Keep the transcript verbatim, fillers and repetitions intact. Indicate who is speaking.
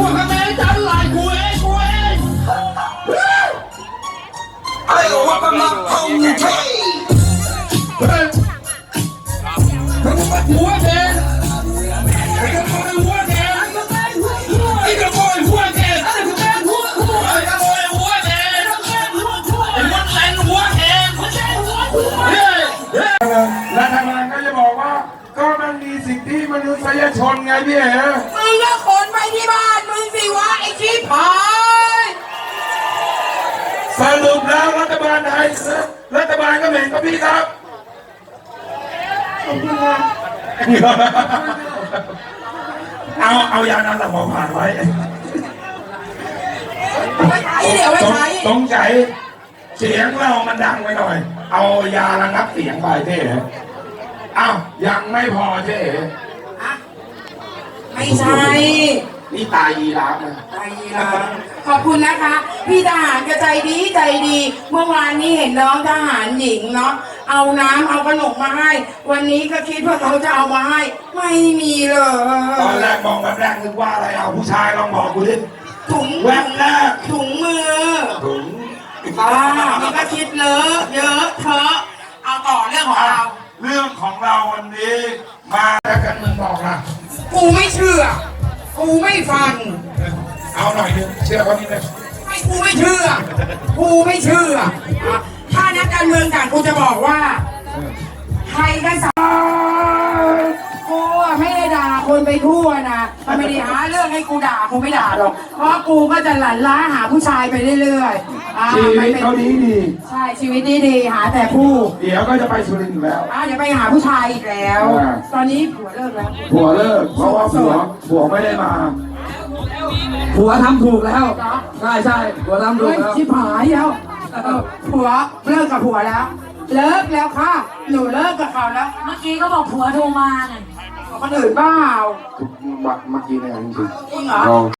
Speaker 1: วคะแนนจันไหลกูเองกูเองไอ้หัวกำลังท่องเทหัวเทไอ้กระโดดหัวเทไอ้กระโดดหัวเทไอ้กระโดดหัวเทไอ้กระโดดหัวเทไอ้มดแรงหัวเทรัฐบาลก็จะบอกว่าก็มันมีสิทธิมนุษยชนไงพี่เอ๋
Speaker 2: มึงก็ขนไปที่บ้านมึงสิวะไอ้ชิบหาย
Speaker 1: สรุปแล้วรัฐบาลไทยรัฐบาลก็เหม็นกับพี่ครับเอาเอายาน้ำหลับหมอผ่านไว้
Speaker 2: ไม่ใช่เดี๋ยวไม่ใช่
Speaker 1: ต้องใจเสียงเรามันดังไปหน่อยเอายาระงับเสียงไปเจ๊อ้าวยังไม่พอเจ๊
Speaker 2: ไม่ใช่
Speaker 1: นี่ตายยีราฟนะ
Speaker 2: ตายยีราฟขอบคุณนะคะพี่ทหารก็ใจดีใจดีเมื่อวานนี้เห็นน้องทหารหญิงเนาะเอาน้ำเอาขนมมาให้วันนี้ก็คิดว่าเขาจะเอามาให้ไม่มีเลย
Speaker 1: ตอนแรกมองแบบแรกนึกว่าอะไรเอาผู้ชายลองบอกกูดิ
Speaker 2: ถุง
Speaker 1: แวบแรก
Speaker 2: ถุงมือ
Speaker 1: ถุง
Speaker 2: อ่ามันก็คิดเลอะเยอะเถอะเอาต่อเรื่องของเรา
Speaker 1: เรื่องของเราวันนี้มาแล้วกันมึงบอกนะ
Speaker 2: กูไม่เชื่อกูไม่ฟัง
Speaker 1: เอาหน่อยนึงเชื่อคนนี้เลย
Speaker 2: ไม่กูไม่เชื่อกูไม่เชื่อถ้านักการเมืองต่างกูจะบอกว่าใครกันสักกูไม่ได้ด่าคนไปทั่วนะมันไม่ได้หาเรื่องให้กูด่ากูไม่ด่าหรอกเพราะกูก็จะหลั่นล้าหาผู้ชายไปเรื่อย
Speaker 1: ๆชีวิตเขาดีดี
Speaker 2: ใช่ชีวิตดีดีหาแต่ผู้
Speaker 1: เดี๋ยวก็จะไปสุรินทร์แล้ว
Speaker 2: อ่าเดี๋ยวไปหาผู้ชายอีกแล้วตอนนี้ผัวเลิกแล้ว
Speaker 1: ผัวเลิกเพราะว่าผัวผัวไม่ได้มา
Speaker 3: ผัวทำถูกแล้วใช่ใช่ผัวทำถูกแล้ว
Speaker 2: ชิบหายแล้วผัวเลิกกับผัวแล้วเลิกแล้วค่ะหนูเลิกกับเขาแล้ว
Speaker 4: เมื่อกี้ก็บอกผัวโทรมาไง
Speaker 2: คนอื่นเปล่า
Speaker 1: เมื่อกี้เนี่ยจริง
Speaker 2: จริงเหรอ